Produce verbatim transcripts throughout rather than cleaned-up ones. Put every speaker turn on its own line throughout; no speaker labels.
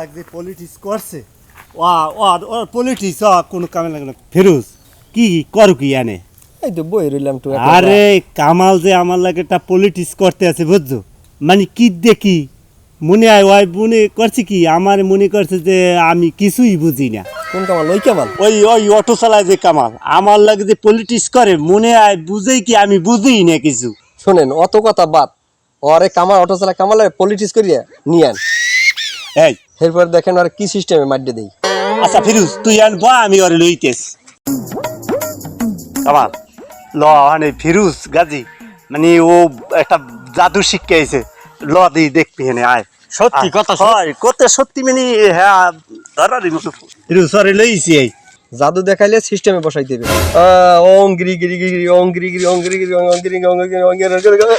লাগছে পলিটিক্স করছে ও ও পলিটিক্স কোনো কামে লাগে না ফিরোজ কি করু কি আনে
এই তো বই রইলাম তো
আরে কামাল যে আমার লাগে একটা পলিটিক্স করতে আছে বুঝছো মানে কি দেখি মনে হয় ওই মনে করছে কি আমার মনে করছে যে আমি কিছুই বুঝি না
কোন কামাল ওই কামাল
ওই ওই অটো চালায় যে কামাল আমার লাগে যে পলিটিক্স করে মনে হয় বুঝেই কি আমি বুঝিই না কিছু
শোনেন অত কথা বাদ ওরে কামাল অটো চালা কামালে পলিটিক্স করিয়া নিয়ান
এই
এরপর দেখেন আর কি সিস্টেমে মাড্ডে দেই
আচ্ছা ফিরোজ তুই আন বা আমি ওরে লইতেছ কামাল ল মানে ফিরোজ গাজী মানে ও একটা জাদু শিক্ষা আইছে ল দেই দেখবি হেনে আয়
সত্যি কথা
হয় কত সত্যি মানে হ্যাঁ ধরারি মতো ফিরোজ ওরে লইছি এই
জাদু দেখাইলে সিস্টেমে বসাই দেবে ওং গিরি গিরি গিরি ওং গিরি গিরি ওং গিরি গিরি ওং গিরি ওং গিরি ওং গিরি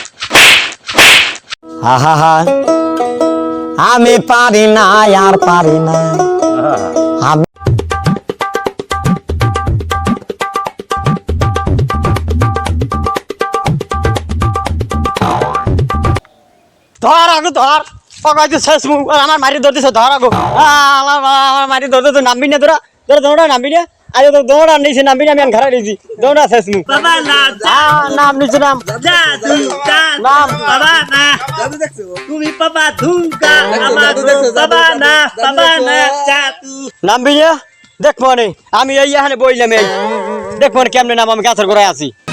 হা হা হা আমি পারি না আর পারি না আমি
ধর আগো ধর পকাইতে শেষ মুখ আমার মারি ধরতেছে ধর আগো আমার আমার মারি ধরতে তো নামবি না তোরা তোরা দৌড়া নামবি না আজ তো দৌড়া নিয়েছি নামবি না আমি ঘরে নিয়েছি দৌড়া শেষ মুখ
বাবা না
নাম নিচে নাম
যা তুই যা
নাম
বাবা না
জাদু দেখছো
তুমি বাবা ধুমকা আমার বাবা না বাবা না যা তুই
নামবি না দেখ মনে আমি এই এখানে বইলাম এই দেখ মনে কেমনে নাম আমি গাছের গোড়ায় আছি